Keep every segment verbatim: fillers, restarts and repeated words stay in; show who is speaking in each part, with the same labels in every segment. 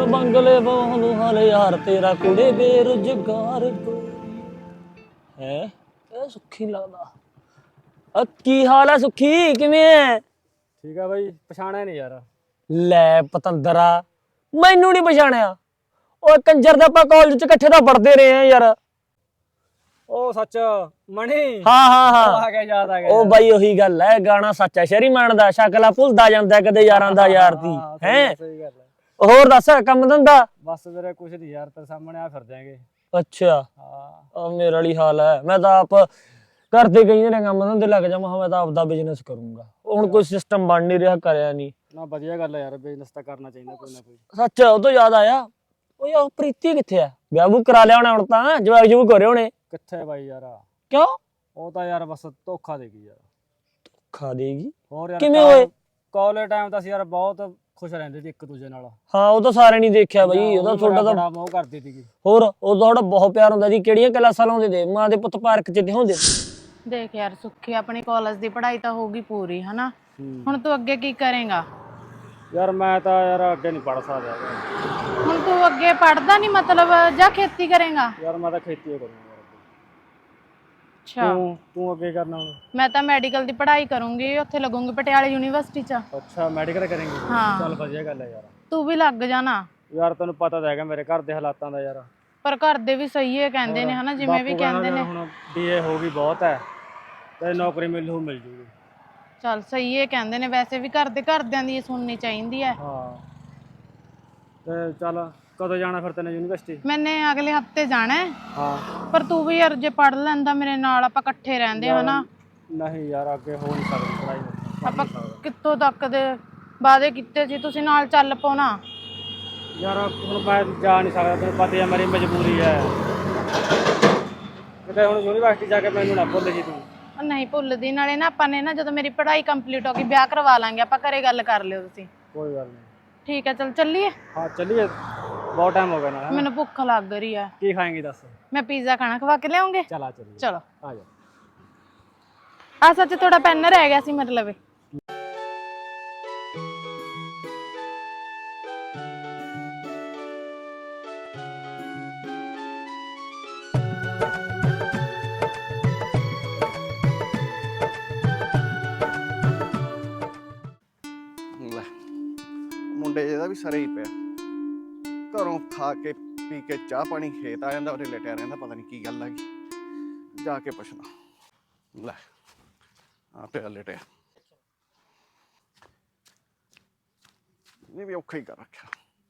Speaker 1: ਬੰਗਲੇ ਬਹੁ ਹਾਲ ਯਾਰ ਤੇਰਾ ਕੁੜੇ ਬੇਰੁਜ਼ਗਾਰ ਹੈ। ਇਹ ਸੁੱਖੀ ਲੱਗਦਾ। ਆ ਕੀ ਹਾਲ ਹੈ ਸੁੱਖੀ, ਕਿਵੇਂ ਹੈ?
Speaker 2: ਠੀਕ ਆ ਬਾਈ, ਪਛਾਣਿਆ ਨਹੀਂ ਯਾਰ।
Speaker 1: ਲੈ ਪਤੰਦਰਾ, ਮੈਨੂੰ ਨਹੀਂ ਪਛਾਣਿਆ? ਓਏ ਕੰਜਰ ਦੇ ਆਪਾਂ ਕਾਲਜ ਚ ਇਕੱਠੇ ਤਾਂ ਪੜ੍ਹਦੇ ਰਹੇ ਆ ਯਾਰ।
Speaker 2: ਉਹ ਸੱਚ ਮਣੀ,
Speaker 1: ਹਾਂ ਹਾਂ ਹਾਂ
Speaker 2: ਆ ਗਿਆ, ਯਾਦ ਆ ਗਿਆ।
Speaker 1: ਉਹ ਬਾਈ ਉਹੀ ਗੱਲ ਹੈ, ਗਾਣਾ ਸੱਚ ਹੈ ਸ਼ਹਿਰੀ ਮਾਨ ਦਾ, ਸ਼ਕਲਾ ਭੁੱਲਦਾ ਜਾਂਦਾ ਕਦੇ ਯਾਰਾਂ ਦਾ ਯਾਰ ਦੀ ਹੈ।
Speaker 2: ਸਹੀ ਗੱਲ ਹੈ।
Speaker 1: ਹੋਰ ਦੱਸ ਕੰਮ ਧੰਦਾ?
Speaker 2: ਬਸ ਤੇਰੇ ਕੁਛ ਨਹੀਂ ਯਾਰ, ਤੇਰੇ ਸਾਹਮਣੇ ਆ ਫਿਰ ਜਾਏਗੇ।
Speaker 1: ਅੱਛਾ ਹਾਂ, ਮੇਰੇ ਵਾਲੀ ਹਾਲ ਹੈ। ਮੈਂ ਤਾਂ ਆਪ ਘਰ ਦੇ ਕਈ ਨੇ ਕੰਮ ਧੰਦੇ ਲੱਗ ਜਾ, ਮੈਂ ਤਾਂ ਆਪਦਾ ਬਿਜ਼ਨਸ ਕਰੂੰਗਾ। ਹੁਣ ਕੋਈ ਸਿਸਟਮ ਬਣ ਨਹੀਂ ਰਿਹਾ, ਕਰਿਆ ਨਹੀਂ
Speaker 2: ਨਾ। ਵਧੀਆ ਗੱਲ ਹੈ ਯਾਰ, ਬਿਜ਼ਨਸ ਤਾਂ ਕਰਨਾ ਚਾਹੀਦਾ ਕੋਈ ਨਾ ਕੋਈ।
Speaker 1: ਸੱਚ ਉਹ ਤੋਂ ਯਾਦ ਆਇਆ, ਉਹ ਯਾਰ ਪ੍ਰੀਤੀ ਕਿੱਥੇ ਆ? ਵਿਆਹ ਵੂ ਕਰਾ ਲਿਆ ਹੋਣਾ ਹੁਣ ਤਾਂ, ਜਵਾਕ ਜਵੂਕ ਹੋ ਰਹੇ ਹੋਣੇ।
Speaker 2: ਕਿੱਥੇ ਬਾਈ ਯਾਰ?
Speaker 1: ਕਿਉਂ?
Speaker 2: ਉਹ ਤਾਂ ਯਾਰ ਬਸ ਧੋਖਾ ਦੇ ਗਈ ਯਾਰ।
Speaker 1: ਧੋਖਾ ਦੇਗੀ?
Speaker 2: ਹੋਰ ਯਾਰ
Speaker 1: ਕਿਵੇਂ ਹੋਏ?
Speaker 2: ਕਾਲਜ ਟਾਈਮ ਤਾਂ ਅਸੀਂ ਯਾਰ ਬਹੁਤ ਖੁਸ਼ ਰਹਿੰਦੇ ਸੀ ਇੱਕ ਦੂਜੇ ਨਾਲ।
Speaker 1: ਹਾਂ ਉਹ ਤਾਂ ਸਾਰੇ ਨਹੀਂ ਦੇਖਿਆ ਬਈ, ਉਹਦਾ ਤੁਹਾਡਾ ਤਾਂ
Speaker 2: ਬੜਾ ਮੋਹ ਕਰਦੀ ਸੀਗੀ।
Speaker 1: ਹੋਰ ਉਹ ਤੁਹਾਡਾ ਬਹੁਤ ਪਿਆਰ ਹੁੰਦਾ ਸੀ। ਕਿਹੜੀਆਂ ਕਲਾਸਾਂ ਲਾਉਂਦੇ ਤੇ? ਮਾਂ ਦੇ ਪੁੱਤ ਪਾਰਕ ਚ ਹੁੰਦੇ।
Speaker 3: ਦੇਖ ਯਾਰ ਸੁੱਖੀ, ਆਪਣੀ ਕਾਲਜ ਦੀ ਪੜ੍ਹਾਈ ਤਾਂ ਹੋਊਗੀ ਪੂਰੀ ਹਨਾ, ਹੁਣ ਤੂੰ ਅੱਗੇ ਕੀ ਕਰੇਗਾ?
Speaker 2: ਯਾਰ ਮੈਂ ਤਾਂ ਯਾਰ ਅੱਗੇ ਨਹੀਂ ਪੜ ਸਕਦਾ।
Speaker 3: ਹੁਣ ਤੂੰ ਅੱਗੇ ਪੜ੍ਹਦਾ ਨਹੀਂ ਮਤਲਬ, ਜਾਂ ਖੇਤੀ ਕਰੇਗਾ?
Speaker 2: ਯਾਰ ਮੈਂ ਤਾਂ ਖੇਤੀ ਹੀ ਕਰੂੰਗਾ।
Speaker 3: ਅੱਛਾ
Speaker 2: ਤੂੰ ਤੂੰ ਅੱਗੇ ਕਰਨਾ ਹੁਣ?
Speaker 3: ਮੈਂ ਤਾਂ ਮੈਡੀਕਲ ਦੀ ਪੜ੍ਹਾਈ ਕਰੂੰਗੀ, ਉੱਥੇ ਲੱਗੂੰਗੀ ਪਟਿਆਲੇ ਯੂਨੀਵਰਸਿਟੀ ਚ।
Speaker 2: ਅੱਛਾ ਮੈਡੀਕਲ ਕਰੇਂਗੀ?
Speaker 3: ਹਾਂ
Speaker 2: ਚੱਲ ਵਧੀਆ ਗੱਲ ਹੈ ਯਾਰ।
Speaker 3: ਤੂੰ ਵੀ ਲੱਗ ਜਾਣਾ।
Speaker 2: ਯਾਰ ਤੈਨੂੰ ਪਤਾ ਤਾਂ ਹੈਗਾ ਮੇਰੇ ਘਰ ਦੇ ਹਾਲਾਤਾਂ ਦਾ ਯਾਰ।
Speaker 3: ਪਰ ਘਰ ਦੇ ਵੀ ਸਹੀ ਹੈ ਕਹਿੰਦੇ ਨੇ ਹਨਾ, ਜਿਵੇਂ ਵੀ ਕਹਿੰਦੇ ਨੇ।
Speaker 2: ਹੁਣ ਬੀਏ ਹੋ ਗਈ ਬਹੁਤ ਹੈ ਤੇ ਨੌਕਰੀ ਮਿਲੂ ਮਿਲ ਜੂਗੀ।
Speaker 3: ਚੱਲ ਸਹੀ ਹੈ ਕਹਿੰਦੇ ਨੇ, ਵੈਸੇ ਵੀ ਘਰ ਦੇ ਘਰਦਿਆਂ ਦੀ ਸੁਣਨੀ ਚਾਹੀਦੀ ਹੈ।
Speaker 2: ਹਾਂ ਤੇ ਚੱਲ ਕਦੋਂ ਜਾਣਾ ਫਿਰ ਤੈਨੂੰ ਯੂਨੀਵਰਸਿਟੀ?
Speaker 3: ਮੈਨੇ ਅਗਲੇ ਹਫਤੇ ਜਾਣਾ ਹੈ।
Speaker 2: ਹਾਂ
Speaker 3: ਪਰ ਤੂੰ ਵੀ ਯਾਰ ਜੇ ਪੜ੍ਹ ਲੈਂਦਾ ਮੇਰੇ ਨਾਲ, ਆਪਾਂ ਇਕੱਠੇ ਰਹਿੰਦੇ ਹਨਾ।
Speaker 2: ਨਹੀਂ ਯਾਰ ਅੱਗੇ ਹੋ ਨਹੀਂ ਸਕਦੀ ਪੜ੍ਹਾਈ।
Speaker 3: ਆਪਾਂ ਕਿੱਥੋਂ ਤੱਕ ਦੇ ਵਾਅਦੇ ਕੀਤੇ ਸੀ, ਤੁਸੀਂ ਨਾਲ ਚੱਲ ਪਓ ਨਾ।
Speaker 2: ਯਾਰ ਹੁਣ ਮੈਂ ਜਾ ਨਹੀਂ ਸਕਦਾ, ਤੈਨੂੰ ਪਤਾ ਹੈ ਮੇਰੀ ਮਜਬੂਰੀ ਹੈ। ਕਿਤੇ ਹੁਣ ਯੂਨੀਵਰਸਿਟੀ ਜਾ ਕੇ ਮੈਨੂੰ ਨਾ ਭੁੱਲ ਜੀ ਤੂੰ।
Speaker 3: ਨਹੀਂ ਭੁੱਲਦੀ, ਨਾਲੇ ਨਾ ਆਪਾਂ ਨੇ ਨਾ ਜਦੋਂ ਮੇਰੀ ਪੜ੍ਹਾਈ ਕੰਪਲੀਟ ਹੋ ਗਈ ਵਿਆਹ ਕਰਵਾ ਲਾਂਗੇ ਆਪਾਂ, ਘਰੇ ਗੱਲ ਕਰ ਲਿਓ ਤੁਸੀਂ।
Speaker 2: ਕੋਈ ਗੱਲ ਨਹੀਂ।
Speaker 3: ਠੀਕ ਹੈ ਚਲ ਚੱਲੀਏ।
Speaker 2: ਹਾਂ ਚੱਲੀਏ, ਬਹੁਤ ਟਾਈਮ ਹੋ ਗਿਆ ਨਾ।
Speaker 3: ਮੈਨੂੰ ਭੁੱਖ ਲੱਗ ਰਹੀ ਹੈ।
Speaker 2: ਕੀ ਖਾਏਂਗੀ ਦੱਸ?
Speaker 3: ਮੈਂ ਪੀਜ਼ਾ ਖਾਣਾ, ਖਵਾ ਕੇ ਲਿਆਉਂਗੇ?
Speaker 2: ਚਲ ਆ ਚੱਲੀਏ।
Speaker 3: ਚਲੋ
Speaker 2: ਆ ਜਾ।
Speaker 3: ਆ ਸੱਚ ਥੋੜਾ ਪੈਨ ਰਹਿ ਗਿਆ ਸੀ ਮਤਲਬ।
Speaker 4: ਮੁੰਡੇ ਜਿਹਦਾ ਵੀ ਸਰੇ ਹੀ ਪਿਆ, ਘਰੋਂ ਖਾ ਕੇ ਪੀ ਕੇ ਚਾਹ ਪਾਣੀ ਖੇਤ ਆ ਜਾਂਦਾ, ਉਹਦੇ ਲਟਿਆ ਰਹਿੰਦਾ। ਪਤਾ ਨਹੀਂ ਕੀ ਗੱਲ ਆ ਗਈ, ਜਾ ਕੇ ਪੁੱਛਣਾ। ਲੈ ਆ ਪਿਆ ਲਟਿਆ, ਨਹੀਂ ਵੀ ਔਖਾ ਹੀ ਕਰ ਰੱਖਿਆ।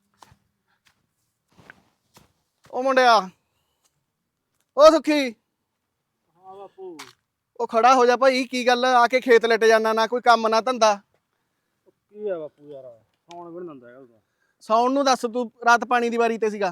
Speaker 4: ਉਹ ਮੁੰਡਿਆ, ਉਹ ਸੁੱਖੀ।
Speaker 2: ਹਾਂ ਬਾਪੂ।
Speaker 4: ਉਹ ਖੜਾ ਹੋ ਜਾ ਭਾਈ, ਕੀ ਗੱਲ ਆ ਕੇ ਖੇਤ ਲਟ ਜਾਣਾ, ਨਾ ਕੋਈ ਕੰਮ ਨਾ ਧੰਦਾ।
Speaker 2: ਕੀ ਆ ਬਾਪੂ ਯਾਰ, ਸੌਣ ਵੀ ਨਹੀਂ ਦਿੰਦਾ ਹੈਗਾ ਉਹਦਾ।
Speaker 4: ਸੌਣ ਨੂੰ ਦੱਸ, ਤੂੰ ਰਾਤ ਪਾਣੀ ਦੀ ਵਾਰੀ ਤੇ ਸੀਗਾ।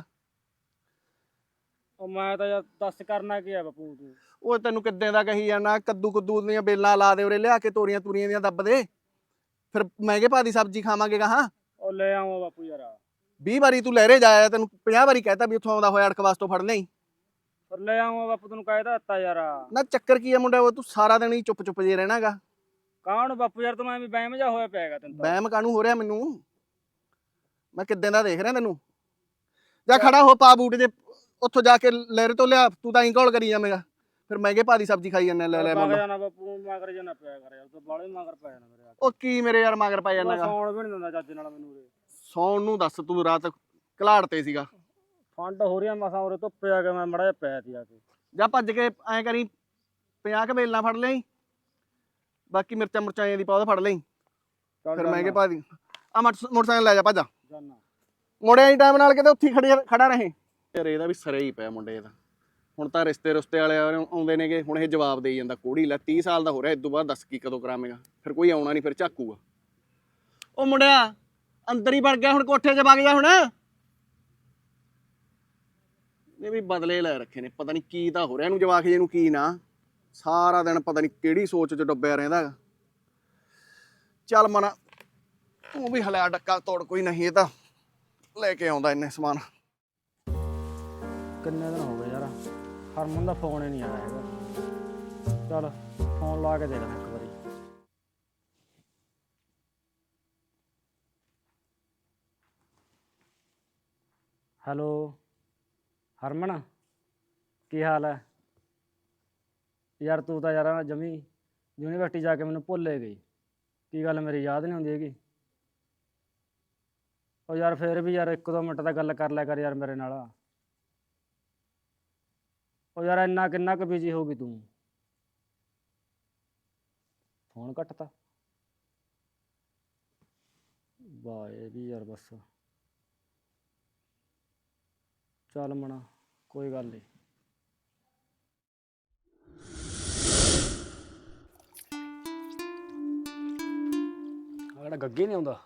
Speaker 2: ਉਹ ਮੈਂ ਤਾਂ ਯਾਰ ਦੱਸ ਕਰਨਾ ਕੀ ਆ ਬਾਪੂ ਤੂੰ।
Speaker 4: ਉਹ ਤੈਨੂੰ ਕਿੱਦਾਂ ਦਾ ਕਹੀ ਜਾਣਾ, ਕੱਦੂ ਕੁੱਦੂ ਦੀਆਂ ਬੇਲਾਂ ਲਾ ਦੇ ਉਰੇ ਲਿਆ ਕੇ, ਤੋਰੀਆਂ ਤੂਰੀਆਂ ਦੀਆਂ ਦੱਬ ਦੇ, ਫਿਰ ਮਹਿੰਗੇ ਭਾਅ ਦੀ ਸਬਜ਼ੀ ਖਾਵਾਂਗੇ ਗਾਹਾਂ।
Speaker 2: ਉਹ ਲੈ ਆਵਾਂ ਬਾਪੂ ਯਾਰ।
Speaker 4: ਵੀਹ ਵਾਰੀ ਤੂੰ ਲਹਿਰੇ ਜਾਇਆ, ਤੈਨੂੰ ਪੰਜਾਹ ਵਾਰੀ ਕਹਿਤਾ ਵੀ ਉੱਥੋਂ ਆਉਂਦਾ ਹੋਇਆ ਅੜਕਵਾਸ ਤੋਂ ਫੜ ਲਈ।
Speaker 2: ਪਰ ਲੈ ਆਵਾਂ ਬਾਪੂ, ਤੈਨੂੰ ਕਹਿਦਾ ਦਿੱਤਾ ਯਾਰ।
Speaker 4: ਨਾ ਚੱਕਰ ਕੀ ਆ ਮੁੰਡਾ, ਉਹ ਤੂੰ ਸਾਰਾ ਦਿਨ ਹੀ ਚੁੱਪ ਚੁੱਪ ਜੇ ਰਹਿਣਾਗਾ।
Speaker 2: ਕਾਹਨ ਬਾਪੂ ਯਾਰ, ਤੂੰ ਐਵੇਂ ਬਹਿਮ ਜਾ ਹੋਇਆ ਪਿਆਗਾ ਤੈਨੂੰ।
Speaker 4: ਵਹਿਮ ਕਾਹਨੂੰ ਹੋ ਰਿਹਾ ਮੈਨੂੰ, ਮੈਂ ਕਿੱਦਾਂ ਦਾ ਦੇਖ ਰਿਹਾ ਤੈਨੂੰ। ਜਾ ਖੜਾ ਹੋ, ਪਾ ਬੂਟ ਜੇ, ਉੱਥੋਂ ਜਾ ਕੇ ਲਹਿਰੇ ਤੋਂ ਲਿਆ। ਤੂੰ ਤਾਂ ਹੀ ਘੋਲ ਕਰੀ ਜਾਵੇਂਗਾ, ਫਿਰ ਮਹਿੰਗੇ ਭਾਅ ਦੀ ਸਬਜ਼ੀ ਖਾਈ ਜਾਂਦਾ। ਲੈ ਲੈ
Speaker 2: ਮਗਰ ਜਾਣਾ ਬਾਪੂ, ਮਗਰ ਜਾਣਾ ਪਿਆ ਕਰ ਯਾਰ, ਤੂੰ ਬਾਲੇ ਮਗਰ ਪੈ ਜਾਣਾ ਮੇਰੇ।
Speaker 4: ਉਹ ਕੀ ਮੇਰੇ ਯਾਰ ਮਗਰ ਪੈ ਜਾਂਦਾਗਾ?
Speaker 2: ਸੌਣ ਵੀ ਨਹੀਂ ਦਿੰਦਾ ਚੱਜ ਨਾਲ ਮੈਨੂੰ।
Speaker 4: ਸੌਣ ਨੂੰ ਦੱਸ, ਤੂੰ ਰਾਤ ਘਲਾੜ ਤੇ ਸੀਗਾ।
Speaker 2: ਫੰਡ ਹੋ ਰਹੀ ਆ ਮਸਾਂ ਉਰੇ, ਧੁੱਪੇ ਆ ਕੇ ਮੈਂ ਮੜਾ ਜਿਹਾ ਪਿਆ ਸੀ ਆ ਕੇ।
Speaker 4: ਜਾ ਭੱਜ ਕੇ ਐਂ ਕਰੀ, ਪੰਜਾਹ ਕੁ ਬੇਲਾਂ ਫੜ ਲਈ, ਬਾਕੀ ਮਿਰਚਾਂ ਮੁਰਚਾਂ ਦੀ ਪੌਦਾ ਫੜ ਲਈ, ਫਿਰ ਮਹਿੰਗੇ ਭਾਅ ਦੀ ਆ ਮੋਟਰਸਾਈਕਲ ਲੈ ਜਾ, ਭੱਜ ਮੁੜਿਆ ਹੀ ਟਾਈਮ ਨਾਲ, ਕਿਤੇ ਉੱਥੇ ਖੜੇ ਖੜਾ ਰਹੇ। ਯਾਰ ਇਹਦਾ ਵੀ ਸਰੇ ਹੀ ਪਿਆ ਮੁੰਡੇ ਦਾ। ਹੁਣ ਤਾਂ ਰਿਸ਼ਤੇ ਰੁਸ਼ਤੇ ਵਾਲੇ ਆਉਂਦੇ ਨੇਗੇ, ਹੁਣ ਇਹ ਜਵਾਬ ਦੇਈ ਜਾਂਦਾ ਕੋੜੀ। ਲੈ ਤੀਹ ਸਾਲ ਦਾ ਹੋ ਰਿਹਾ, ਇਸ ਤੋਂ ਬਾਅਦ ਦੱਸ ਕੀ ਕਦੋਂ ਕਰਾਵੇਂਗਾ? ਫਿਰ ਕੋਈ ਆਉਣਾ ਨਹੀਂ, ਫਿਰ ਝਾਕੂਗਾ। ਉਹ ਮੁੰਡਿਆ ਅੰਦਰ ਹੀ ਵੜ ਗਿਆ, ਹੁਣ ਕੋਠੇ 'ਚ ਵਗ ਜਾ ਹੁਣ। ਇਹ ਵੀ ਬਦਲੇ ਲੈ ਰੱਖੇ ਨੇ, ਪਤਾ ਨਹੀਂ ਕੀ ਤਾਂ ਹੋ ਰਿਹਾ ਇਹਨੂੰ, ਜਵਾਕ ਜੇ ਨੂੰ ਕੀ ਨਾ। ਸਾਰਾ ਦਿਨ ਪਤਾ ਨਹੀਂ ਕਿਹੜੀ ਸੋਚ 'ਚ ਡੁੱਬਿਆ ਰਹਿੰਦਾ। ਚੱਲ ਮਨਾ, ਤੂੰ ਵੀ ਹਲਿਆ ਡੱਕਾ ਤੋੜ, ਕੋਈ ਨਹੀਂ, ਇਹ ਤਾਂ ਲੈ ਕੇ ਆਉਂਦਾ ਇੰਨੇ ਸਮਾਨ।
Speaker 2: ਕਿੰਨੇ ਦਿਨ ਹੋ ਗਏ ਯਾਰ, ਹਰਮਨ ਦਾ ਫੋਨ ਹੀ ਨਹੀਂ ਆਇਆ ਹੈਗਾ। ਚੱਲ ਫੋਨ ਲਾ ਕੇ ਦੇਖਦਾ ਇੱਕ ਵਾਰੀ। ਹੈਲੋ ਹਰਮਨ, ਕੀ ਹਾਲ ਹੈ ਯਾਰ? ਤੂੰ ਤਾਂ ਯਾਰ ਜਮੀ ਯੂਨੀਵਰਸਿਟੀ ਜਾ ਕੇ ਮੈਨੂੰ ਭੁੱਲ ਹੀ ਗਈ। ਕੀ ਗੱਲ ਮੇਰੀ ਯਾਦ ਨਹੀਂ ਆਉਂਦੀ ਹੈਗੀ? ਉਹ ਯਾਰ ਫੇਰ ਵੀ ਯਾਰ ਇੱਕ ਦੋ ਮਿੰਟ ਤਾਂ ਗੱਲ ਕਰ ਲਿਆ ਕਰ ਯਾਰ ਮੇਰੇ ਨਾਲ। ਉਹ ਯਾਰ ਇੰਨਾ ਕਿੰਨਾ ਕੁ ਬਿਜੀ ਹੋ ਗਈ ਤੂੰ? ਫੋਨ ਕੱਟਤਾ? ਵਾਹ ਇਹ ਵੀ ਯਾਰ ਬਸ ਚੱਲ ਮਣਾ, ਕੋਈ ਗੱਲ ਨਹੀਂ। ਆੜਾ ਗੱਗੇ ਨਹੀਂ ਆਉਂਦਾ।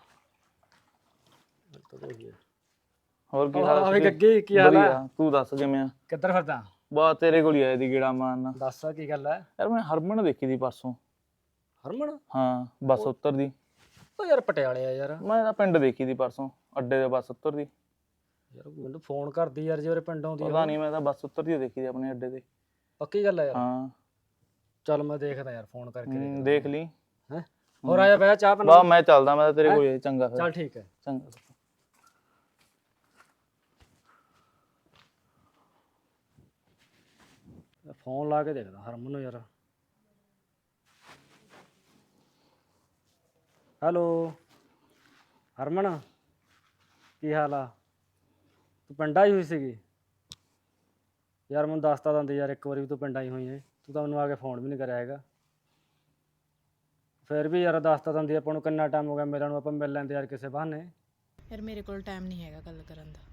Speaker 5: ਹੋਰ ਕੀ
Speaker 2: ਆਹ
Speaker 5: ਹਾਲ
Speaker 2: ਵੀ ਗੱਗੇ, ਕੀ ਹਾਲ ਹੈ?
Speaker 5: ਤੂੰ ਦੱਸ ਕਿਵੇਂ ਆ?
Speaker 2: ਕਿੱਧਰ ਫਿਰਦਾ?
Speaker 5: ਬਾ ਤੇਰੇ ਕੋਲ ਹੀ ਆਏ ਦੀ ਗੇੜਾ ਮਾਰਨਾ।
Speaker 2: ਦੱਸ ਕੀ ਗੱਲ ਹੈ?
Speaker 5: ਯਾਰ ਮੈਂ ਹਰਮਨ ਦੇਖੀ ਦੀ ਪਰਸੋਂ।
Speaker 2: ਹਰਮਨ?
Speaker 5: ਹਾਂ ਬੱਸ ਉੱਤਰਦੀ।
Speaker 2: ਉਹ ਯਾਰ ਪਟਿਆਲੇ ਆ ਯਾਰ।
Speaker 5: ਮੈਂ ਤਾਂ ਪਿੰਡ ਦੇਖੀ ਦੀ ਪਰਸੋਂ, ਅੱਡੇ ਤੇ ਬੱਸ ਉੱਤਰਦੀ।
Speaker 2: ਯਾਰ ਮੈਨੂੰ ਫੋਨ ਕਰਦੀ ਯਾਰ ਜੇ ਉਹਰੇ ਪਿੰਡ ਆਉਂਦੀ।
Speaker 5: ਪਤਾ ਨਹੀਂ, ਮੈਂ ਤਾਂ ਬੱਸ ਉੱਤਰਦੀ ਦੇਖੀ ਦੀ ਆਪਣੇ ਅੱਡੇ ਤੇ।
Speaker 2: ਪੱਕੀ ਗੱਲ ਹੈ ਯਾਰ?
Speaker 5: ਹਾਂ
Speaker 2: ਚੱਲ ਮੈਂ ਦੇਖਦਾ ਯਾਰ, ਫੋਨ ਕਰਕੇ
Speaker 5: ਹੂੰ, ਦੇਖ ਲਈ।
Speaker 2: ਹੈ ਹੋਰ ਆਇਆ ਬਹਿ ਚਾਹ ਬਣਾ।
Speaker 5: ਬਾ ਮੈਂ ਚੱਲਦਾ, ਮੈਂ ਤਾਂ ਤੇਰੇ ਕੋਲ ਹੀ। ਚੰਗਾ ਫਿਰ।
Speaker 2: ਚੱਲ ਠੀਕ ਹੈ।
Speaker 5: ਚੰਗਾ।
Speaker 2: ਫੋਨ ਲਾ ਕੇ ਦੇਖਦਾ ਹਰਮਨ ਨੂੰ ਯਾਰ। ਹੈਲੋ ਹਰਮਨ, ਕੀ ਹਾਲ ਆ? ਤੂੰ ਪਿੰਡ ਆਈ ਹੋਈ ਸੀਗੀ ਯਾਰ? ਮੈਨੂੰ ਦੱਸਤਾ ਦਿੰਦੀ ਯਾਰ ਇੱਕ ਵਾਰੀ ਵੀ ਤੂੰ ਪਿੰਡ ਆਈ ਹੋਈ ਹੈ। ਤੂੰ ਤਾਂ ਮੈਨੂੰ ਆ ਕੇ ਫੋਨ ਵੀ ਨਹੀਂ ਕਰਿਆ ਹੈਗਾ। ਫਿਰ ਵੀ ਯਾਰ ਦੱਸਤਾ ਦਿੰਦੀ, ਆਪਾਂ ਨੂੰ ਕਿੰਨਾ ਟਾਈਮ ਹੋ ਗਿਆ ਮਿਲਣ ਨੂੰ, ਆਪਾਂ ਮਿਲ ਲੈਂਦੇ ਯਾਰ ਕਿਸੇ ਬਹਾਨੇ।
Speaker 3: ਯਾਰ ਮੇਰੇ ਕੋਲ ਟਾਈਮ ਨਹੀਂ ਹੈਗਾ ਗੱਲ ਕਰਨ ਦਾ।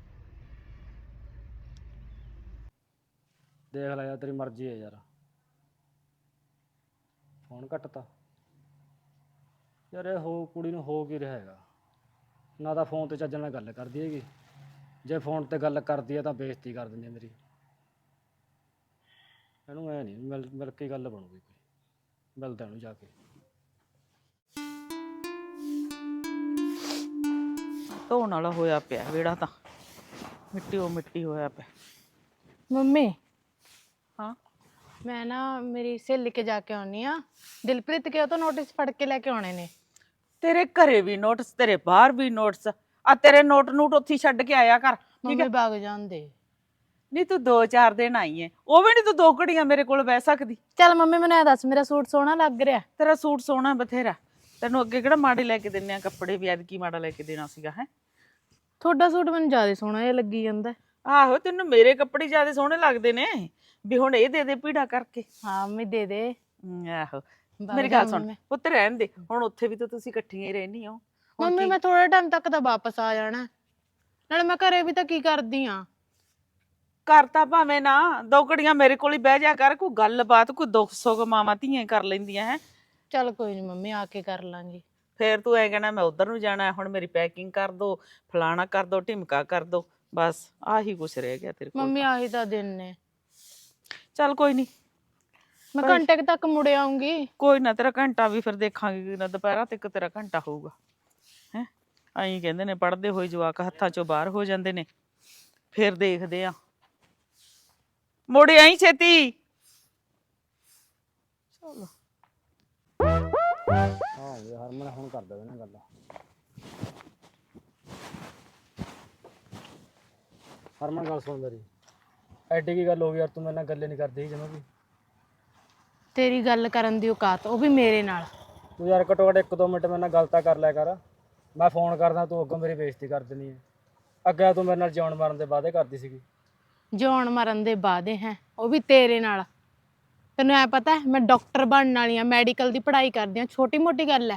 Speaker 2: ਦੇਖ ਲੈ ਯਾਰ, ਤੇਰੀ ਮਰਜ਼ੀ ਹੈ ਯਾਰ। ਫੋਨ ਕੱਟਤਾ ਯਾਰ। ਇਹ ਹੋ ਕੁੜੀ ਨੂੰ ਹੋ ਕੀ ਰਿਹਾ ਹੈਗਾ? ਨਾ ਤਾਂ ਫੋਨ ਤੇ ਚੱਜ ਨਾਲ ਗੱਲ ਕਰਦੀ ਹੈਗੀ, ਜੇ ਫੋਨ ਤੇ ਗੱਲ ਕਰਦੀ ਹੈ ਤਾਂ ਬੇਇੱਜ਼ਤੀ ਕਰ ਦਿੰਦੀ ਹੈ ਮੇਰੀ। ਇਹਨੂੰ ਐ ਨਹੀਂ ਮਿਲ ਮਿਲ ਕੇ ਗੱਲ ਬਣੂਗੀ ਕੋਈ। ਮਿਲਦਾ ਇਹਨੂੰ ਜਾ ਕੇ।
Speaker 6: ਧੋਣ ਵਾਲਾ ਹੋਇਆ ਪਿਆ ਵਿਹੜਾ ਤਾਂ, ਮਿੱਟੀ ਉਹ ਮਿੱਟੀ ਹੋਇਆ ਪਿਆ।
Speaker 3: ਮੰਮੀ
Speaker 6: ਹਾਂ
Speaker 3: ਮੈਂ ਨਾ ਮੇਰੀ ਸਹੇਲੀ ਕੇ ਜਾ ਕੇ ਆਉਣੀ ਆ। ਦਿਲਪ੍ਰੀਤ ਕੇ ਉਹ ਤੋਂ ਨੋਟਿਸ ਫੜ ਕੇ ਲੈ ਕੇ ਆਉਣੇ ਨੇ।
Speaker 6: ਤੇਰੇ ਘਰੇ ਵੀ ਨੋਟਿਸ, ਤੇਰੇ ਬਾਹਰ ਵੀ ਨੋਟਿਸ। ਆ ਤੇਰੇ ਨੋਟ ਨੂਟ ਉੱਥੇ ਛੱਡ ਕੇ ਆਇਆ ਕਰ, ਠੀਕ
Speaker 3: ਮੰਮੀ
Speaker 6: ਹੈ?
Speaker 3: ਭਾਗ ਜਾਂਦੇ।
Speaker 6: ਨਹੀਂ ਤੂੰ ਦੋ ਚਾਰ ਦਿਨ ਆਈ ਐ, ਉਹ ਵੀ ਨਹੀਂ ਤੂੰ ਦੋ ਘੜੀਆਂ ਮੇਰੇ ਕੋਲ ਬਹਿ ਸਕਦੀ।
Speaker 3: ਚੱਲ ਮੰਮੀ ਮੈਨੂੰ ਇਹ ਦੱਸ, ਮੇਰਾ ਸੂਟ ਸੋਹਣਾ ਲੱਗ ਰਿਹਾ?
Speaker 6: ਤੇਰਾ ਸੂਟ ਸੋਹਣਾ ਬਥੇਰਾ, ਤੈਨੂੰ ਅੱਗੇ ਕਿਹੜਾ ਮਾੜੇ ਲੈ ਕੇ ਦਿੰਨੇ ਆ ਕੱਪੜੇ, ਵੀ ਐਤਕੀ ਮਾੜਾ ਲੈ ਕੇ ਦੇਣਾ ਸੀਗਾ ਹੈ?
Speaker 3: ਤੁਹਾਡਾ ਸੂਟ ਮੈਨੂੰ ਜ਼ਿਆਦਾ ਸੋਹਣਾ ਜਿਹਾ ਲੱਗੀ ਜਾਂਦਾ।
Speaker 6: ਆਹੋ ਤੈਨੂੰ ਮੇਰੇ ਕੱਪੜੇ ਜ਼ਿਆਦਾ ਸੋਹਣੇ ਲੱਗਦੇ ਨੇ, ਵੀ ਹੁਣ ਇਹ ਦੇ ਦੇ ਪੀੜਾ ਕਰਕੇ।
Speaker 3: ਹਾਂ ਮੰਮੀ ਦੇ ਦੇ।
Speaker 6: ਹਮ, ਆਹੋ ਮੇਰੀ ਗੱਲ ਸੁਣ ਪੁੱਤ, ਰਹਿਣ ਦੇ ਹੁਣ, ਉੱਥੇ ਵੀ ਤਾਂ ਤੁਸੀਂ ਇਕੱਠੀਆਂ ਹੀ ਰਹਿੰਦੀ ਹੋ।
Speaker 3: ਮੰਮੀ ਮੈਂ ਥੋੜੇ ਟਾਈਮ ਤੱਕ ਤਾਂ ਵਾਪਸ ਆ ਜਾਣਾ, ਨਾਲੇ ਮੈਂ ਘਰੇ ਵੀ ਤਾਂ ਕੀ ਕਰਦੀ ਆ।
Speaker 6: ਘਰ ਤਾਂ ਭਾਵੇਂ ਨਾ, ਦੋ ਘੜੀਆਂ ਮੇਰੇ ਕੋਲ ਹੀ ਬਹਿ ਜਾ ਕਰ, ਕੋਈ ਗੱਲਬਾਤ, ਕੋਈ ਦੁੱਖ ਸੁੱਖ ਮਾਵਾਂ ਧੀਆਂ ਕਰ ਲੈਂਦੀਆਂ ਹੈ।
Speaker 3: ਚੱਲ ਕੋਈ ਨਹੀਂ ਮੰਮੀ, ਆ ਕੇ ਕਰ ਲਾਂਗੀ।
Speaker 6: ਫੇਰ ਤੂੰ ਐ ਕਹਿਣਾ ਮੈਂ ਉਧਰ ਨੂੰ ਜਾਣਾ, ਹੁਣ ਮੇਰੀ ਪੈਕਿੰਗ ਕਰ ਦੋ, ਫਲਾਣਾ ਕਰ ਦੋ, ਢਿਮਕਾ ਕਰ ਦੋ, ਬਸ ਆਹੀ ਕੁਛ ਰਹਿ ਗਿਆ ਤੇਰੇ ਕੋਲ।
Speaker 3: ਮੰਮੀ ਆਹੀ ਤਾਂ ਦਿਨ ਨੇ।
Speaker 6: ਚੱਲ ਕੋਈ ਨਹੀਂ,
Speaker 3: ਮੈਂ ਘੰਟੇ ਕੁ ਤੱਕ ਮੁੜ ਆਉਂਗੀ।
Speaker 6: ਕੋਈ ਨਾ, ਤੇਰਾ ਘੰਟਾ ਵੀ ਫਿਰ ਦੇਖਾਂਗੇ ਨਾ, ਦੁਪਹਿਰਾਂ ਤੱਕ ਤੇਰਾ ਘੰਟਾ ਹੋਊਗਾ ਹੈ। ਐਂ ਕਹਿੰਦੇ ਨੇ ਪੜ੍ਹਦੇ ਹੋਏ ਜਵਾਕ ਹੱਥਾਂ ਚੋਂ ਬਾਹਰ ਹੋ ਜਾਂਦੇ ਨੇ, ਫਿਰ ਦੇਖਦੇ ਆ। ਮੁੜ ਆਈ ਛੇਤੀ। ਚਲੋ
Speaker 2: ਹਾਂ ਯਾਰ ਹਰਮਨ ਹੁਣ ਕਰ ਦੇਵੇ ਨਾ ਗੱਲ। ਹਰਮਨ ਗੱਲ ਸੁਣ ਮੇਰੀ, ਐਡੀ ਕੀ ਗੱਲ ਹੋ ਗਈ ਯਾਰ? ਤੂੰ ਮੇਰੇ ਨਾਲ ਗੱਲੇ ਨਹੀਂ ਕਰਦੀ ਜਮਾਂ ਵੀ।
Speaker 3: ਤੇਰੀ ਗੱਲ ਕਰਨ ਦੀ ਔਕਾਤ, ਉਹ ਵੀ ਮੇਰੇ ਨਾਲ।
Speaker 2: ਤੂੰ ਯਾਰ ਘੱਟੋ ਘੱਟ ਇੱਕ ਦੋ ਮਿੰਟ ਮੇਰੇ ਨਾਲ ਗੱਲ ਤਾਂ ਕਰ ਲਿਆ ਕਰ। ਮੈਂ ਫੋਨ ਕਰਦਾ, ਤੂੰ ਅੱਗੋਂ ਮੇਰੀ ਬੇਇੱਜ਼ਤੀ ਕਰ ਦਿੰਦੀ ਹੈ। ਅੱਗੇ ਤੂੰ ਮੇਰੇ ਨਾਲ ਜਿਉਣ ਮਾਰਨ ਦੇ ਵਾਅਦੇ ਕਰਦੀ ਸੀਗੀ।
Speaker 3: ਜਿਉਣ ਮਰਨ ਦੇ ਵਾਅਦੇ ਹੈ, ਉਹ ਵੀ ਤੇਰੇ ਨਾਲ। ਤੈਨੂੰ ਐ ਪਤਾ ਹੈ ਮੈਂ ਡਾਕਟਰ ਬਣਨ ਵਾਲੀ ਆ, ਮੈਡੀਕਲ ਦੀ ਪੜ੍ਹਾਈ ਕਰਦੀ ਆ। ਛੋਟੀ ਮੋਟੀ ਗੱਲ ਹੈ,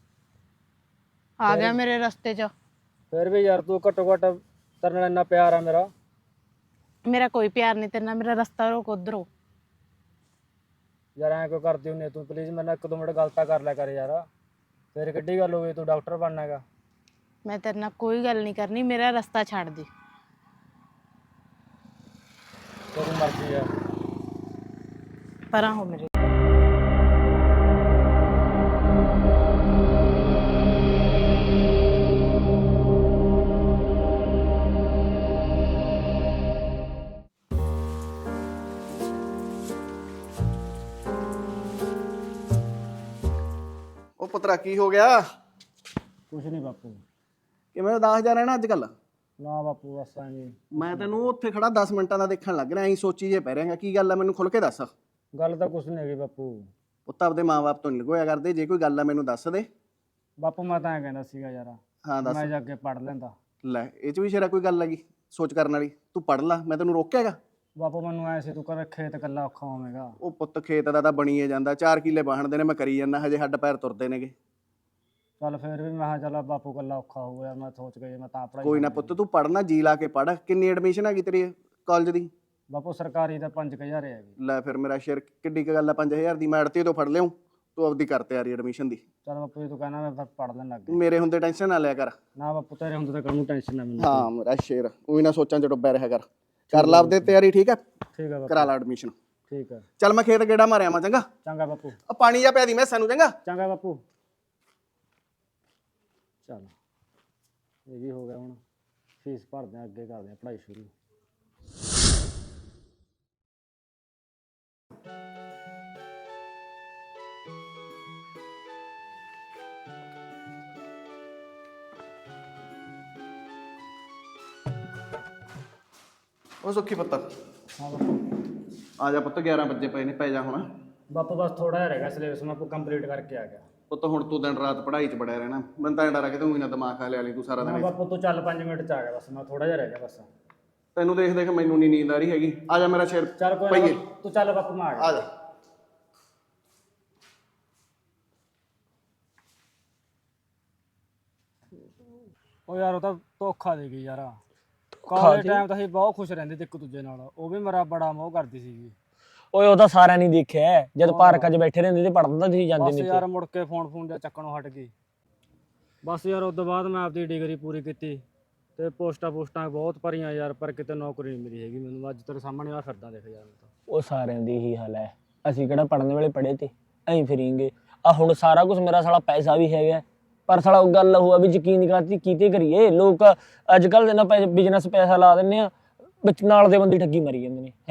Speaker 3: ਆ ਗਿਆ ਮੇਰੇ ਰਸਤੇ 'ਚ।
Speaker 2: ਫਿਰ ਵੀ ਯਾਰ ਤੂੰ ਘੱਟੋ ਘੱਟ, ਤੇਰੇ ਨਾਲ ਇੰਨਾ ਪਿਆਰ ਆ ਮੇਰਾ।
Speaker 3: ਮੇਰਾ ਕੋਈ ਪਿਆਰ ਨਹੀਂ ਤੇਰੇ ਨਾਲ, ਮੇਰਾ ਰਸਤਾ ਰੋਕ ਉਧਰੋਂ।
Speaker 2: ਯਾਰ ਐਂ ਕਿਉਂ ਕਰਦੀ ਹੁੰਦੀ ਤੂੰ? ਪਲੀਜ਼ ਮੇਰੇ ਨਾਲ ਇੱਕ ਦੋ ਮਿੰਟ ਗੱਲ ਤਾਂ ਕਰ ਲਿਆ ਕਰ ਯਾਰ। ਫਿਰ ਕਿੱਡੀ ਗੱਲ ਹੋ ਗਈ, ਤੂੰ ਡਾਕਟਰ ਬਣਨਾ ਹੈਗਾ?
Speaker 3: ਮੈਂ ਤੇਰੇ ਨਾਲ ਕੋਈ ਗੱਲ ਨਹੀਂ ਕਰਨੀ, ਮੇਰਾ ਰਸਤਾ ਛੱਡ ਦੇ।
Speaker 2: ਤੇਰੀ ਮਰਜ਼ੀ ਆ।
Speaker 3: ਪਰਾਂ ਹੋ ਮੇਰੇ।
Speaker 4: ਉਹ ਪੁੱਤਰਾ ਕੀ ਹੋ ਗਿਆ?
Speaker 2: ਕੁਛ ਨਹੀਂ ਬਾਪੂ।
Speaker 4: ਕਿਵੇਂ ਉਦਾਸ ਜਾ ਰਹਿਣਾ ਅੱਜ ਕੱਲ?
Speaker 2: ਨਾ ਬਾਪੂ ਬਸ ਐਵੇਂ
Speaker 4: ਮੈਂ ਤੈਨੂੰ ਉੱਥੇ ਖੜਾ ਦਸ ਮਿੰਟਾਂ ਦਾ ਦੇਖਣ ਲੱਗ ਰਿਹਾ ਐਂ ਸੋਚੀ ਜੇ ਪੈ ਰਿਹਾਗਾ ਕੀ ਗੱਲ ਆ ਮੈਨੂੰ ਖੁੱਲ ਕੇ ਦੱਸ।
Speaker 2: ਗੱਲ ਤਾਂ ਕੁਛ ਨਹੀਂ ਹੈਗੀ ਬਾਪੂ।
Speaker 4: ਪੁੱਤ ਆਪਦੇ ਮਾਂ-ਬਾਪ ਤੋਂ ਨਹੀਂ ਲਗੋਇਆ ਕਰਦੇ, ਜੇ ਕੋਈ ਗੱਲ ਆ ਮੈਨੂੰ ਦੱਸ ਦੇ।
Speaker 2: ਬਾਪੂ ਮੈਂ ਤਾਂ ਐਂ ਕਹਿੰਦਾ ਸੀਗਾ ਯਾਰ
Speaker 4: ਹਾਂ ਦੱਸ।
Speaker 2: ਮੈਂ ਜਾ ਕੇ ਪੜ ਲੈਂਦਾ।
Speaker 4: ਲੈ ਇਹ ਚ ਵੀ ਸ਼ੇਰਾ ਕੋਈ ਗੱਲ ਹੈਗੀ ਸੋਚ ਕਰਨ ਵਾਲੀ, ਤੂੰ ਪੜ ਲਾ, ਮੈਂ ਤੈਨੂੰ ਰੋਕਿਆਗਾ?
Speaker 2: ਬਾਪੂ ਮੈਨੂੰ ਐ ਸੀ ਤੂੰ ਕਰ ਖੇਤ ਕੱਲਾ ਔਖਾ ਹੋਵੇਂਗਾ।
Speaker 4: ਉਹ ਪੁੱਤ ਖੇਤ ਦਾ ਤਾਂ ਬਣੀਏ ਜਾਂਦਾ, ਚਾਰ ਕਿੱਲੇ ਬਾਹਣਦੇ ਨੇ, ਮੈਂ ਕਰੀ ਜਾਂਦਾ, ਹਜੇ ਹੱਡ ਪੈਰ ਤੁਰਦੇ ਨੇਗੇ।
Speaker 2: ਚੱਲ ਫਿਰ ਵੀ ਮੈਂ ਕਿਹਾ ਚੱਲ ਬਾਪੂ ਕੱਲਾ ਔਖਾ ਹੋ ਗਿਆ, ਮੈਂ ਸੋਚ ਕੇ ਮੈਂ ਤਾਂ ਪੜਾਈ।
Speaker 4: ਕੋਈ ਨਾ ਪੁੱਤ ਤੂੰ ਪੜਨਾ, ਜੀ ਲਾ ਕੇ ਪੜ। ਕਿੰਨੀ ਐਡਮਿਸ਼ਨ ਹੈਗੀ ਤੇਰੀ ਕਾਲਜ ਦੀ?
Speaker 2: ਬਾਪੂ ਸਰਕਾਰੀ ਦਾ ਪੰਜ ਕੁ ਹਜ਼ਾਰ ਹੈਗੀ।
Speaker 4: ਲੈ ਫਿਰ ਮੇਰਾ ਸ਼ੇਰ ਕਿੱਡੀ ਕੁ ਗੱਲ ਆ, ਪੰਜ ਹਜ਼ਾਰ ਦੀ ਮੈਂ ਅੜਤੀ ਤੋਂ ਫੜ ਲਿਆਉਂ, ਤੂੰ ਆਪਦੀ ਕਰ ਤਿਆਰੀ ਐਡਮਿਸ਼ਨ ਦੀ।
Speaker 2: ਚੱਲ ਬਾਪੂ ਜੀ ਤੂੰ ਕਹਿੰਦਾ ਮੈਂ ਫਿਰ ਪੜ ਲੈਣ ਲੱਗ ਗਿਆ।
Speaker 4: ਮੇਰੇ ਹੁੰਦੇ ਟੈਨਸ਼ਨ ਨਾ ਲਿਆ ਕਰ।
Speaker 2: ਨਾ ਬਾਪੂ ਤੇਰੇ ਹੁੰਦੇ ਤਾਂ ਕਾਹਨੂੰ ਟੈਨਸ਼ਨ ਨਾ ਮੈਨੂੰ।
Speaker 4: ਹਾਂ ਮੇਰਾ ਸ਼ੇਰ ਉਹੀ ਨਾ ਸੋਚਾਂ ਚ ਡੁੱਬਿਆ ਰਿਹਾ ਕਰ। ਕਰ ਲਾ ਆਪਦੇ ਤਿਆਰੀ, ਠੀਕ ਹੈ?
Speaker 2: ਠੀਕ ਹੈ ਬਾਪੂ।
Speaker 4: ਕਰਾ ਲਾ ਐਡਮਿਸ਼ਨ।
Speaker 2: ਠੀਕ ਹੈ
Speaker 4: ਚੱਲ ਮੈਂ ਖੇਤ ਗੇੜਾ ਮਾਰਿਆ ਮਾ, ਚੰਗਾ?
Speaker 2: ਚੰਗਾ ਬਾਪੂ।
Speaker 4: ਆ ਪਾਣੀ ਜਾ ਪਿਆ ਦੀ ਮੈਂ ਸਾਨੂੰ, ਚੰਗਾ?
Speaker 2: ਚੰਗਾ ਬਾਪੂ। ਚੱਲ ਇਹ ਵੀ ਹੋ ਗਿਆ, ਹੁਣ ਫੀਸ ਭਰਦੇ ਆ, ਅੱਗੇ ਕਰਦੇ ਆ ਪੜ੍ਹਾਈ ਸ਼ੁਰੂ।
Speaker 4: ਉਹ ਸੁੱਖੀ ਪੁੱਤ
Speaker 2: ਹਾਂ ਬਾਪੂ।
Speaker 4: ਆ ਜਾ ਪੁੱਤ, ਗਿਆਰਾਂ ਵਜੇ ਪਏ ਨੇ, ਪੈ ਜਾ ਹੁਣ।
Speaker 2: ਬਾਪੂ ਬਸ ਥੋੜਾ ਜਿਹਾ ਰਹਿ ਗਿਆ ਸਿਲੇਬਸ, ਮੈਂ ਕੰਪਲੀਟ ਕਰਕੇ ਆ ਗਿਆ।
Speaker 4: ਪੁੱਤ ਹੁਣ ਤੂੰ ਦਿਨ ਰਾਤ ਪੜ੍ਹਾਈ 'ਚ ਬੜਿਆ ਰਹਿਣਾ, ਮੈਨੂੰ ਤਾਂ ਡਰ ਆ ਕਿ ਤੂੰ ਹੀ ਨਾ ਦਿਮਾਗ ਖਾ ਲਿਆ ਲਈ ਤੂੰ ਸਾਰਾ
Speaker 2: ਹਾਂ
Speaker 4: ਦਿਨ।
Speaker 2: ਬਾਪੂ ਤੂੰ ਚੱਲ ਪੰਜ ਮਿੰਟ ਚ ਆ ਗਿਆ, ਬਸ ਮੈਂ ਥੋੜਾ ਜਿਹਾ ਰਹਿ ਗਿਆ ਬਸ।
Speaker 4: ਤੈਨੂੰ ਦੇਖ ਦੇਖ ਮੈਨੂੰ ਨਹੀਂ ਨੀਂਦ ਆ ਰਹੀ ਹੈਗੀ। ਆ ਜਾ ਮੇਰਾ ਸ਼ੇਰ,
Speaker 2: ਚੱਲ ਕੋਈ
Speaker 4: ਪਈਏ।
Speaker 2: ਨਾ ਤੂੰ ਚੱਲ ਬਾਪੂ, ਮੈਂ ਆ ਗਿਆ।
Speaker 4: ਆ ਜਾ।
Speaker 2: ਉਹ ਯਾਰ ਉਹ ਤਾਂ ਧੋਖਾ ਦੇ ਗਈ ਯਾਰ। ਕਾਲਜ ਟਾਈਮ ਤਾਂ ਅਸੀਂ ਬਹੁਤ ਖੁਸ਼ ਰਹਿੰਦੇ ਤੇ ਇੱਕ ਦੂਜੇ ਨਾਲ, ਉਹ ਵੀ ਮੇਰਾ ਬੜਾ ਮੋਹ ਕਰਦੀ ਸੀਗੀ।
Speaker 1: ਓਏ ਉਹ ਤਾਂ ਸਾਰਿਆਂ ਨੇ ਦੇਖਿਆ, ਜਦ ਪਾਰਕਾਂ 'ਚ ਬੈਠੇ ਰਹਿੰਦੇ ਤੇ ਪੜ੍ਹਦਾ ਤੁਸੀਂ ਜਾਂਦੇ
Speaker 2: ਬਸ
Speaker 1: ਨਹੀਂ
Speaker 2: ਯਾਰ ਮੁੜ ਕੇ ਫੋਨ ਫੋਨ ਜਾਂ ਚੱਕਣੋਂ ਹਟ ਗਈ। ਬਸ ਯਾਰ ਉਸ ਤੋਂ ਬਾਅਦ ਮੈਂ ਆਪਦੀ ਡਿਗਰੀ ਪੂਰੀ ਕੀਤੀ ਤੇ ਪੋਸਟਾਂ ਪੋਸਟਾਂ ਬਹੁਤ ਭਰੀਆਂ ਯਾਰ, ਪਰ ਕਿਤੇ ਨੌਕਰੀ ਨਹੀਂ ਮਿਲੀ ਹੈਗੀ ਮੈਨੂੰ। ਅੱਜ ਤੇਰੇ ਸਾਹਮਣੇ ਆ ਫਿਰਦਾ ਦੇਖ ਯਾਰ।
Speaker 1: ਉਹ ਸਾਰਿਆਂ ਦੀ ਹੀ ਹਾਲ ਹੈ, ਅਸੀਂ ਕਿਹੜਾ ਪੜ੍ਹਨ ਵੇਲੇ ਪੜ੍ਹੇ ਤੇ ਐਂ ਫਿਰੀਂਗੇ। ਆ ਹੁਣ ਸਾਰਾ ਕੁਝ ਮੇਰਾ ਸਾਲਾ ਪੈਸਾ ਵੀ ਹੈਗਾ, ਪਰ ਸਾਲਾ ਉਹ ਗੱਲ ਹੋਆ ਵੀ ਯਕੀਨ ਕਰਤੀ ਕੀਤੇ ਕਰੀਏ। ਲੋਕ ਅੱਜ ਕੱਲ੍ਹ ਦੇ ਨਾ ਬਿਜ਼ਨਸ ਪੈਸਾ ਲਾ ਦਿੰਦੇ ਆ, ਵਿੱਚ ਨਾਲ ਦੇ ਬੰਦੇ ਠੱਗੀ ਮਰੀ ਜਾਂਦੇ ਨੇ ਹੈ।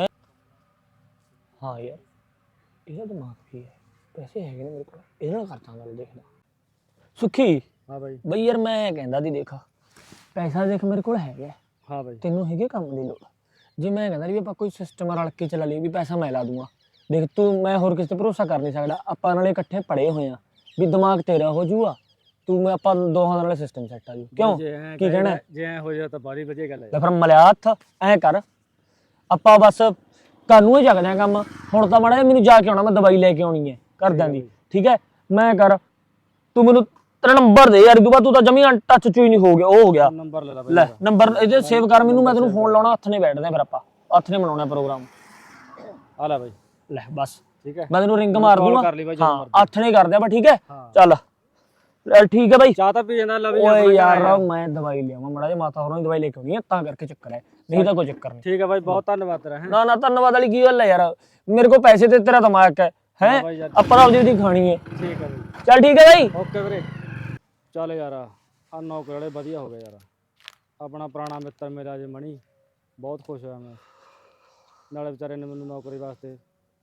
Speaker 1: ਹਾਂ ਯਾਰ ਇਹਦਾ ਦਿਮਾਗ ਕੀ ਹੈ, ਪੈਸੇ ਹੈਗੇ ਨੇ ਮੇਰੇ ਕੋਲ, ਇਹਦੇ ਨਾਲ ਕਰਦਾ ਗੱਲ। ਦੇਖਦਾ ਸੁੱਖੀ।
Speaker 2: ਹਾਂ ਬਾਈ।
Speaker 1: ਬਈ ਯਾਰ ਮੈਂ ਕਹਿੰਦਾ ਦੀ ਦੇਖ, ਪੈਸਾ ਦੇਖ ਮੇਰੇ ਕੋਲ ਹੈਗਾ।
Speaker 2: ਹਾਂ ਬਾਈ।
Speaker 1: ਤੈਨੂੰ ਹੈਗੇ ਕੰਮ ਦੀ ਲੋੜ, ਜੇ ਮੈਂ ਕਹਿੰਦਾ ਵੀ ਆਪਾਂ ਕੋਈ ਸਿਸਟਮ ਰਲ ਕੇ ਚਲਾ ਲਈਏ ਵੀ ਪੈਸਾ ਮੈਂ ਲਾ ਦੂੰਗਾ। ਦੇਖ ਤੂੰ ਮੈਂ ਹੋਰ ਕਿਸੇ ਤੇ ਭਰੋਸਾ ਕਰ ਨਹੀਂ ਸਕਦਾ, ਆਪਾਂ ਨਾਲੇ ਇਕੱਠੇ ਪੜ੍ਹੇ ਹੋਏ ਆ, ਵੀ ਦਿਮਾਗ ਤੇਰਾ ਹੋ ਜੂਗਾ, ਤੂੰ ਮੈਂ ਆਪਾਂ ਦੋਹਾਂ ਨਾਲ ਸਿਸਟਮ ਸੈੱਟ ਆ ਜੂ। ਕਿਉਂ ਕੀ ਕਹਿਣਾ?
Speaker 2: ਜੇ ਐ ਹੋ ਜਾ ਤਾਂ ਬਾਰੀ ਵਧੀਆ ਗੱਲ ਹੈ।
Speaker 1: ਲੈ ਫਿਰ ਮਲਿਆ ਹੱਥ ਐਂ ਕਰ, ਆਪਾਂ ਬਸ ਕਾਨੂੰ ਹੀ ਜਗਦੇ ਆ ਕੰਮ। ਹੁਣ ਤਾਂ ਮਾੜਾ ਜਿਹਾ ਮੈਨੂੰ ਜਾ ਕੇ ਆਉਣਾ, ਮੈਂ ਦਵਾਈ ਲੈ ਕੇ ਆਉਣੀ ਹੈ ਘਰਦਿਆਂ ਦੀ, ਠੀਕ ਹੈ? ਮੈਂ ਕਰ ਤੂੰ ਮੈਨੂੰ ਤੇਰਾ ਨੰਬਰ ਦੇ ਯਾਰ, ਤੂੰ ਤਾਂ ਜਮੀ ਟੱਚ ਚ ਹੀ ਨਹੀਂ ਹੋ ਗਿਆ, ਉਹ ਹੋ ਗਿਆ।
Speaker 2: ਨੰਬਰ ਲੈ ਲੈ
Speaker 1: ਲੈ ਨੰਬਰ ਇਹਦੇ ਸੇਵ ਕਰ ਮੈਨੂੰ, ਮੈਂ ਤੈਨੂੰ ਫੋਨ ਲਾਉਣਾ, ਹੱਥ ਨੇ ਬੈਠਦੇ ਫਿਰ ਆਪਾਂ ਹੱਥ ਨੇ ਬਣਾਉਣਾ ਪ੍ਰੋਗਰਾਮ।
Speaker 2: ਆ ਲੈ ਬਾਈ।
Speaker 1: ਲੈ ਬਸ
Speaker 2: ਠੀਕ ਹੈ,
Speaker 1: ਮੈਂ ਤੈਨੂੰ ਰਿੰਗ ਮਾਰ ਦੂੰਗਾ।
Speaker 2: ਹਾਂ
Speaker 1: ਹੱਥ ਨੇ ਕਰਦੇ ਆਪਾਂ, ਠੀਕ ਹੈ? ਚੱਲ ਠੀਕ ਹੈ ਬਾਈ।
Speaker 2: ਚਾਹ ਤਾਂ ਪੀ ਜਾਂਦਾ ਲੈ।
Speaker 1: ਓਏ ਯਾਰ ਮੈਂ ਦਵਾਈ ਲਿਆਵਾਂ ਮਾੜਾ ਜਿਹਾ, ਮਾਤਾ ਹੋਰਾਂ ਦੀ ਦਵਾਈ ਲੈ ਕੇ ਆਉਣੀ ਹੈ ਤਾਂ ਕਰਕੇ ਚੱਕਰ ਹੈ, ਨਹੀਂ ਤਾਂ ਕੋਈ ਚੱਕਰ ਨਹੀਂ।
Speaker 2: ਠੀਕ ਹੈ ਬਾਈ, ਬਹੁਤ ਧੰਨਵਾਦ ਤੇਰਾ।
Speaker 1: ਨਾ ਨਾ ਧੰਨਵਾਦ ਵਾਲੀ ਕੀ ਗੱਲ ਹੈ ਯਾਰ, ਮੇਰੇ ਕੋਲ ਪੈਸੇ ਤੇ ਤੇਰਾ ਦਿਮਾਗ ਹੈ ਹੈ ਆਪਾਂ ਆਪਦੀ ਉਹਦੀ ਖਾਣੀ ਹੈ।
Speaker 2: ਠੀਕ ਹੈ ਬਾਈ।
Speaker 1: ਚੱਲ ਠੀਕ ਹੈ ਬਾਈ।
Speaker 2: ਓਕੇ ਵੀਰੇ। ਚੱਲ ਯਾਰ ਆ ਨੌਕਰੀ ਵਾਲੇ ਵਧੀਆ ਹੋ ਗਏ ਯਾਰ, ਆਪਣਾ ਪੁਰਾਣਾ ਮਿੱਤਰ ਮੇਰਾ ਜੇ ਮਣੀ, ਬਹੁਤ ਖੁਸ਼ ਹੋਇਆ ਮੈਂ। ਨਾਲੇ ਵਿਚਾਰੇ ਨੇ ਮੈਨੂੰ ਨੌਕਰੀ ਵਾਸਤੇ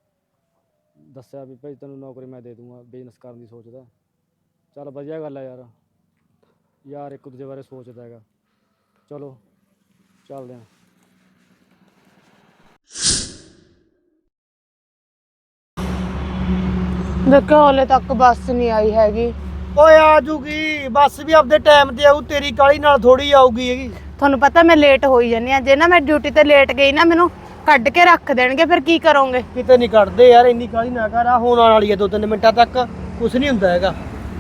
Speaker 2: ਦੱਸਿਆ ਵੀ ਭਾਈ ਤੈਨੂੰ ਨੌਕਰੀ ਮੈਂ ਦੇ ਦੂੰਗਾ, ਬਿਜ਼ਨਸ ਕਰਨ ਦੀ ਸੋਚਦਾ। ਚੱਲ ਵਧੀਆ ਗੱਲ ਹੈ ਯਾਰ, ਯਾਰ ਇੱਕ ਦੂਜੇ ਬਾਰੇ ਸੋਚਦਾ ਹੈਗਾ। ਚਲੋ ਚੱਲਦੇ ਹਾਂ।
Speaker 3: ਦੇਖੋ ਹਲੇ ਤੱਕ ਬੱਸ ਨਹੀਂ ਆਈ ਹੈਗੀ।
Speaker 7: ਓਏ ਆ ਜੂਗੀ ਬੱਸ ਵੀ ਆਪਦੇ ਟਾਈਮ ਤੇ ਆਊ, ਤੇਰੀ ਕਾਲੀ ਨਾਲ ਥੋੜੀ ਆਊਗੀ ਹੈਗੀ।
Speaker 3: ਤੁਹਾਨੂੰ ਪਤਾ ਮੈਂ ਲੇਟ ਹੋਈ ਜਾਂਦੀ ਆ, ਜੇ ਨਾ ਮੈਂ ਡਿਊਟੀ ਤੇ ਲੇਟ ਗਈ ਨਾ ਮੈਨੂੰ ਕੱਢ ਕੇ ਰੱਖ ਦੇਣਗੇ, ਫਿਰ ਕੀ ਕਰੋਗੇ?
Speaker 7: ਕਿਤੇ ਨਹੀਂ ਕੱਢਦੇ ਯਾਰ, ਇੰਨੀ ਕਾਲੀ ਨਾ ਕਰ। ਆ ਹੋਣ ਵਾਲੀ ਹੈ ਦੋ ਤਿੰਨ ਮਿੰਟਾਂ ਤੱਕ, ਕੁਛ ਨਹੀਂ ਹੁੰਦਾ ਹੈਗਾ।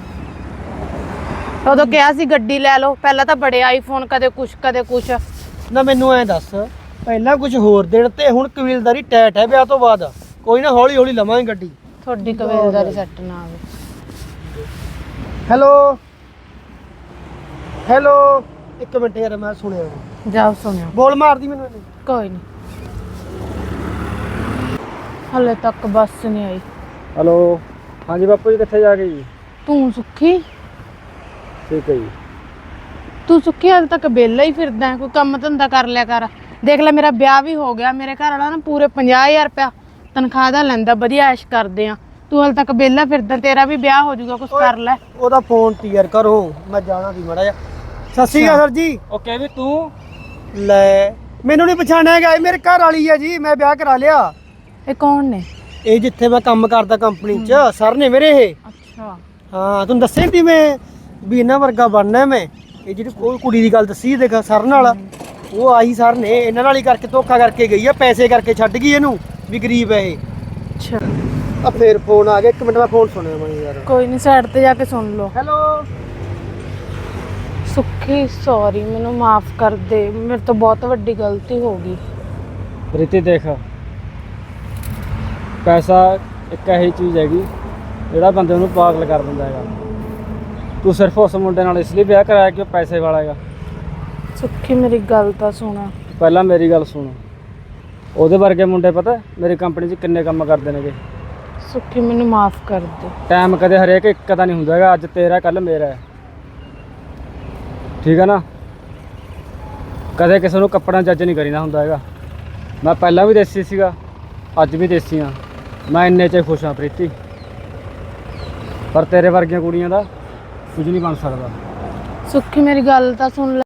Speaker 3: ਉਦੋਂ ਕਿਹਾ ਸੀ ਗੱਡੀ ਲੈ ਲਓ, ਪਹਿਲਾਂ ਤਾਂ ਬੜੇ ਆਈਫੋਨ, ਕਦੇ ਕੁਛ ਕਦੇ ਕੁਛ।
Speaker 7: ਨਾ ਮੈਨੂੰ ਐਂ ਦੱਸ, ਪਹਿਲਾਂ ਕੁਝ ਹੋਰ ਦਿਨ ਤੇ ਹੁਣ ਕਬੀਲਦਾਰੀ ਟੈਟ ਹੈ ਵਿਆਹ ਤੋਂ ਬਾਅਦ। ਕੋਈ ਨਾ ਹੌਲੀ ਹੌਲੀ ਲਵਾਂਗੇ ਗੱਡੀ।
Speaker 3: ਤੁਹਾਡੀ ਕਬੀਲਦਾਰੀ ਸੈੱਟ ਨਾ ਆਵੇ।
Speaker 7: ਹੈਲੋ ਹੈਲੋ, ਇੱਕ ਮਿੰਟ ਯਾਰ ਮੈਂ ਸੁਣਿਆ ਨੀ।
Speaker 3: ਜਾਓ ਸੁਣਿਓ।
Speaker 7: ਬੋਲ ਮਾਰਦੀ ਮੈਨੂੰ ਇਹਨੇ।
Speaker 3: ਕੋਈ ਨਹੀਂ, ਹਲੇ ਤੱਕ ਬੱਸ ਨਹੀਂ ਆਈ।
Speaker 2: ਹੈਲੋ ਹਾਂਜੀ ਬਾਪੂ ਜੀ, ਕਿੱਥੇ ਜਾ ਗਏ ਜੀ?
Speaker 3: ਤੂੰ ਸੁੱਖੀ?
Speaker 2: ਠੀਕ ਹੈ ਜੀ।
Speaker 3: ਤੂੰ ਸੁੱਖੀ ਹਾਲੇ ਤੱਕ ਵਿਹਲਾ ਹੀ ਫਿਰਦਾ ਹੈ, ਕੋਈ ਕੰਮ ਧੰਦਾ ਕਰ ਲਿਆ ਕਰ। ਦੇਖ ਲੈ ਮੇਰਾ ਵਿਆਹ ਵੀ ਹੋ ਗਿਆ, ਮੇਰੇ ਘਰ ਵਾਲਾ ਨਾ ਪੂਰੇ ਪੰਜਾਹ ਹਜ਼ਾਰ ਰੁਪਇਆ ਤਨਖਾਹ ਦਾ ਲੈਂਦਾ, ਵਧੀਆ ਐਸ਼ ਕਰਦੇ ਆ। ਤੂੰ ਹਾਲੇ ਤੱਕ ਵਿਹਲਾ ਫਿਰਦਾ, ਤੇਰਾ ਵੀ ਵਿਆਹ ਹੋ ਜਾਊਗਾ, ਕੁਛ ਕਰ ਲੈ।
Speaker 7: ਉਹਦਾ ਫੋਨ ਕਲੀਅਰ ਕਰੋ, ਮੈਂ ਜਾਣਾ ਸੀ ਮਾੜਾ ਜਿਹਾ। ਸਤਿ ਸ਼੍ਰੀ ਅਕਾਲ ਸਰ ਜੀ।
Speaker 2: ਓਕੇ ਵੀ ਤੂੰ
Speaker 7: ਲੈ ਮੈਨੂੰ ਨਹੀਂ ਪਛਾਣਿਆ ਹੈਗਾ, ਇਹ ਮੇਰੇ ਘਰ ਵਾਲੀ ਹੈ ਜੀ, ਮੈਂ ਵਿਆਹ ਕਰਾ ਲਿਆ।
Speaker 3: ਇਹ ਕੌਣ ਨੇ?
Speaker 7: ਇਹ ਜਿੱਥੇ ਮੈਂ ਕੰਮ ਕਰਦਾ ਕੰਪਨੀ 'ਚ ਸਰ ਨੇ ਮੇਰੇ ਇਹ।
Speaker 3: ਅੱਛਾ।
Speaker 7: ਹਾਂ ਤੁਹਾਨੂੰ ਦੱਸਿਆ ਤੀ ਮੈਂ ਵੀ ਇਹਨਾਂ ਵਰਗਾ ਬਣਨਾ ਮੈਂ। ਇਹ ਜਿਹੜੀ ਉਹ ਕੁੜੀ ਦੀ ਗੱਲ ਦੱਸੀ ਦੇਖ ਸਰ ਨਾਲ, ਉਹ ਆਹੀ ਸਰ ਨੇ, ਇਹਨਾਂ ਨਾਲ ਹੀ ਕਰਕੇ ਧੋਖਾ ਕਰਕੇ ਗਈ ਆ, ਪੈਸੇ ਕਰਕੇ ਛੱਡ ਗਈ ਇਹਨੂੰ ਵੀ ਗਰੀਬ ਹੈ ਇਹ।
Speaker 3: ਅੱਛਾ
Speaker 7: ਆ ਫੇਰ ਫੋਨ ਆ ਗਿਆ, ਇੱਕ ਮਿੰਟ ਮੈਂ ਫੋਨ ਸੁਣਿਆ ਮੈਂ ਯਾਰ।
Speaker 3: ਕੋਈ ਨਹੀਂ, ਸਾਈਡ ਤੇ ਜਾ ਕੇ ਸੁਣ ਲਓ।
Speaker 7: ਹੈਲੋ।
Speaker 3: ਸੁੱਖੀ ਸੌਰੀ, ਮੈਨੂੰ ਮਾਫ ਕਰ ਦੇ, ਮੇਰੇ ਤੋਂ ਬਹੁਤ ਵੱਡੀ ਗਲਤੀ ਹੋ ਗਈ।
Speaker 2: ਪ੍ਰੀਤੀ ਦੇਖ, ਪੈਸਾ ਇੱਕ ਇਹੀ ਚੀਜ਼ ਹੈਗੀ ਜਿਹੜਾ ਬੰਦੇ ਨੂੰ ਪਾਗਲ ਕਰ ਦਿੰਦਾ ਹੈਗਾ। ਤੂੰ ਸਿਰਫ ਉਸ ਮੁੰਡੇ ਨਾਲ ਇਸ ਲਈ ਵਿਆਹ ਕਰਾਇਆ ਕਿ ਉਹ ਪੈਸੇ ਵਾਲਾ ਹੈਗਾ।
Speaker 3: ਸੁੱਖੀ ਮੇਰੀ ਗੱਲ ਤਾਂ ਸੁਣਾ।
Speaker 2: ਪਹਿਲਾਂ ਮੇਰੀ ਗੱਲ ਸੁਣ, ਉਹਦੇ ਵਰਗੇ ਮੁੰਡੇ ਪਤਾ ਮੇਰੀ ਕੰਪਨੀ 'ਚ ਕਿੰਨੇ ਕੰਮ ਕਰਦੇ ਨੇਗੇ।
Speaker 3: ਸੁੱਖੀ ਮੈਨੂੰ ਮਾਫ ਕਰ ਦੇ।
Speaker 2: ਟਾਈਮ ਕਦੇ ਹਰੇਕ ਇੱਕ ਦਾ ਨਹੀਂ ਹੁੰਦਾ ਹੈਗਾ, ਅੱਜ ਤੇਰਾ ਕੱਲ ਮੇਰਾ ਹੈ, ਠੀਕ ਹੈ ਨਾ। ਕਦੇ ਕਿਸੇ ਨੂੰ ਕੱਪੜਾ ਜੱਜ ਨਹੀਂ ਕਰੀਦਾ ਹੁੰਦਾ ਹੈਗਾ। ਮੈਂ ਪਹਿਲਾਂ ਵੀ ਦੇਸੀ ਸੀਗਾ, ਅੱਜ ਵੀ ਦੇਸੀ ਹਾਂ, ਮੈਂ ਇੰਨੇ 'ਚ ਖੁਸ਼ ਹਾਂ ਪ੍ਰੀਤੀ। ਪਰ ਤੇਰੇ ਵਰਗੀਆਂ ਕੁੜੀਆਂ ਦਾ ਕੁਝ ਨਹੀਂ ਬਣ ਸਕਦਾ।
Speaker 3: ਸੁੱਖੀ ਮੇਰੀ ਗੱਲ ਤਾਂ ਸੁਣ ਲੈ।